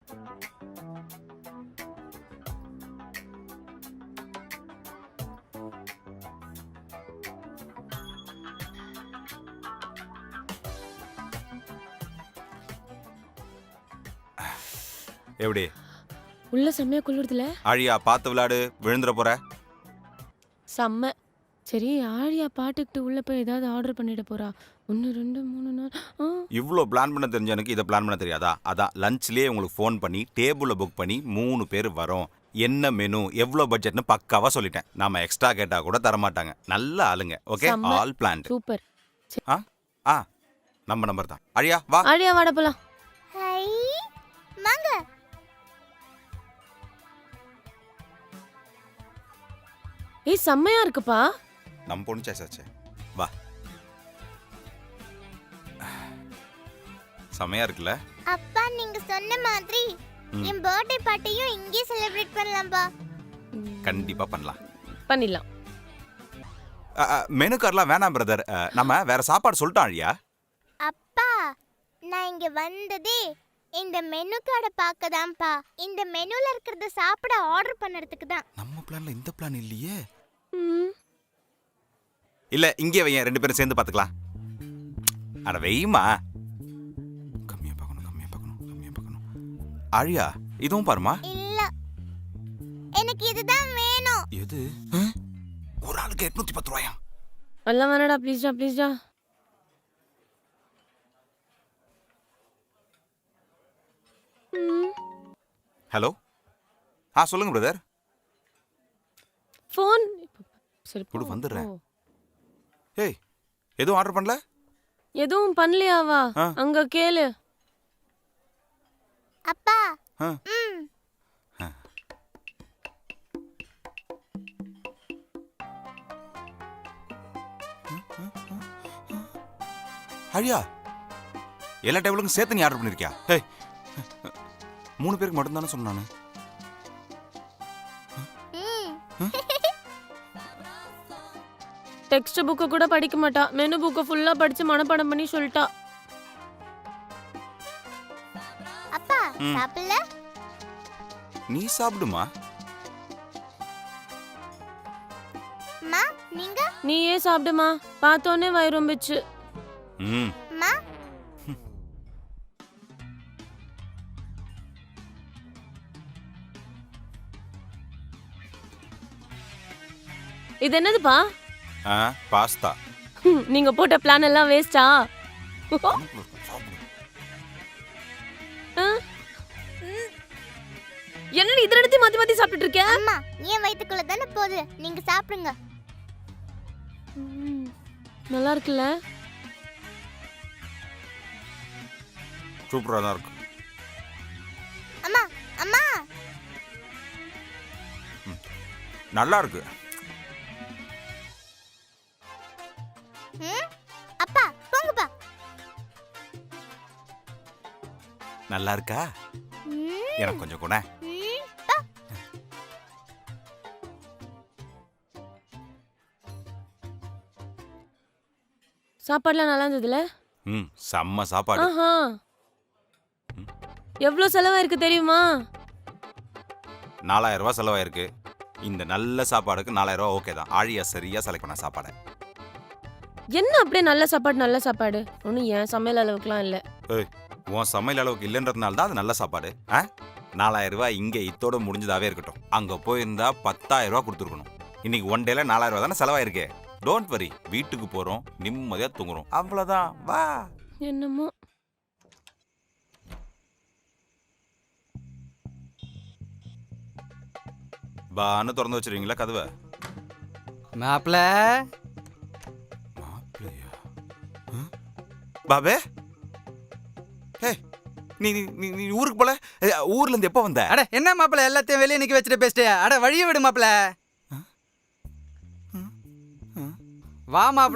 எப்படி உள்ள செம்மையா குளிருதுல? ஆழியா பார்த்து விளையாடு, விழுந்துற போற. செம்ம. சரி ஆழியா பாட்டுக்கிட்டு உள்ள போய் ஏதாவது ஆர்டர் பண்ணிட போறா. 1 2 3 4 இவ்வளோ பிளான் பண்ண தெரிஞ்ச எனக்கு இதை பிளான் பண்ண தெரியாதா? அதான் லஞ்ச்லேயே உங்களுக்கு ஃபோன் பண்ணி டேபிளில் புக் பண்ணி 3 பேர் வரோம், என்ன மெனு எவ்வளோ பட்ஜெட்னு பக்காவாக சொல்லிட்டேன். நாம எக்ஸ்ட்ரா கேட்டால் கூட தரமாட்டாங்க. நல்ல ஆளுங்க. ஓகே, செம்ம. All plant. சூப்பர். ஆ ஆ நம்ம நம்பர் தான். ஆழியா வா. ஆழியா வாட போலாம். ஹை வாங்க. ஏய் செம்மையா இருக்குப்பா. நம்ம பொண்ணு சாய்ஸாச்சே. வா. செமையா இருக்குல்ல? அப்பா நீங்க சொன்ன மாதிரி என் பர்த்டே பார்ட்டியும் இங்கே செலிப்ரேட் பண்ணலாம்பா. கண்டிப்பா பண்ணலாம். பண்ணிடலாம். மெனு கார்டெலாம் வேணாம் பிரதர். நம்ம வேற சாப்பாடு சொல்லிட்டோம் ஆழியா. அப்பா நான் இங்க வந்ததே இந்த மெனு கார்டை பார்க்க தான்ப்பா. இந்த மெனுல இருக்கிறத சாப்பிட ஆர்டர் பண்ணறதுக்கு தான். நம்ம பிளான்ல இந்த பிளான் இல்லையே. ம். இல்ல இங்கே வையேன், 2 பேரும் சேர்ந்து பாத்துக்கலாம். அட வெய்மா. கம்மியா பார்க்கணும், கம்மியா பார்க்கணும், கம்மியா பார்க்கணும். ஆழியா இதுவும் பாருமா. இல்ல எனக்கு இதுதான் வேணும். எது? ஒரு ஆளுக்கு 810 ரூபாயா? எல்லாம் வேணாடா ப்ளீஸ்டா ப்ளீஸ்டா. ஹலோ. சொல்லுங்க பிரதர். ஃபோன் சரி குடு, வந்துடுறேன். ஓ. ஏய் எதுவும் ஆர்டர் பண்ணல? எதுவும் பண்ணலையாவா? ஆ. அங்க கேளு. அப்பா ஆ. ம் ஆழியா எல்லா டேபிளுக்கும் சேர்த்து நீ ஆர்டர் பண்ணிருக்கியா? ஏய் 3 பேருக்கு மட்டும் தானே சொன்னானு. ம் டெக்ஸ்ட் புக்க கூட படிக்க மாட்டா. மெனு புக்க ஃபுல்லா படிச்சு மனப்பாடம் பண்ணி சொல்லிட்டா. அப்பா சாப்பிடல? நீ சாப்பிடுமா. அம்மா நீங்க? நீயே சாப்பிடுமா. பார்த்தோன்னே வயிறு ரொம்பிச்சு. ம் அம்மா இது என்னதுப்பா? பாஸ்தா. நீங்க போட்ட பிளான் எல்லாம் வேஸ்டா? என்னடி இத எடுத்து மாத்தி மாத்தி சாப்பிட்டுட்டு இருக்க? அம்மா ஏன் வயித்துக்குள்ள தானே போகுது, நீங்க சாப்பிடுங்க. நல்லா இருக்குல்ல? சூப்பரா தான் இருக்கு. அம்மா அம்மா நல்லா இருக்கு. ம் அப்பா போங்கப்பா. நல்லா இருக்கா? ம் எனக்கு கொஞ்சம் கூட. ம் பா. சாப்பாடுலாம் நல்லா இருந்ததுல? செம்ம சாப்பாடு. ஆஹா. எவ்வளவு செலவாயிருக்கு தெரியுமா? 4000 ரூபாய் செலவாயிருக்கு. இந்த நல்ல சாப்பாடுக்கு 4000 ரூபாய் ஓகே தான். ஆழியா சரியா செலக்ட் பண்ண சாப்பாடு. என்ன அப்படியே நல்ல சாப்பாடு நல்ல சாப்பாடு? ஒன்றும் ஏன் சமையல் அளவுக்குலாம் இல்லை. ஏய் உன் சமையல் அளவுக்கு இல்லைன்றதுனால தான் அது நல்ல சாப்பாடு. 4000 ரூபாய் இங்கே இத்தோட முடிஞ்சதாவே இருக்கட்டும். அங்கே போயிருந்தா 10,000 ரூபாய் கொடுத்துருக்கணும். இன்னைக்கு 1 டேல 4000 ரூபாய் தானே செலவாயிருக்கு. டோன்ட் வரி, வீட்டுக்கு போகிறோம், நிம்மதியாக தூங்குறோம், அவ்வளோதான். வா. என்னமோ. பான்னு திறந்து வச்சிருவீங்களா கதவை? மாப்பிள மாப்பிள்ளையா? பாபே நீ நீ நீ ஊருக்கு போல? ஊர்ல இருந்து எப்போ வந்த? அட என்ன மாப்பிள எல்லாத்தையும் வெளியே நிக்க வச்சுட்டு பேசிட்டியா? அட வழிய விடு மாப்பிள. வா மாப்பிள.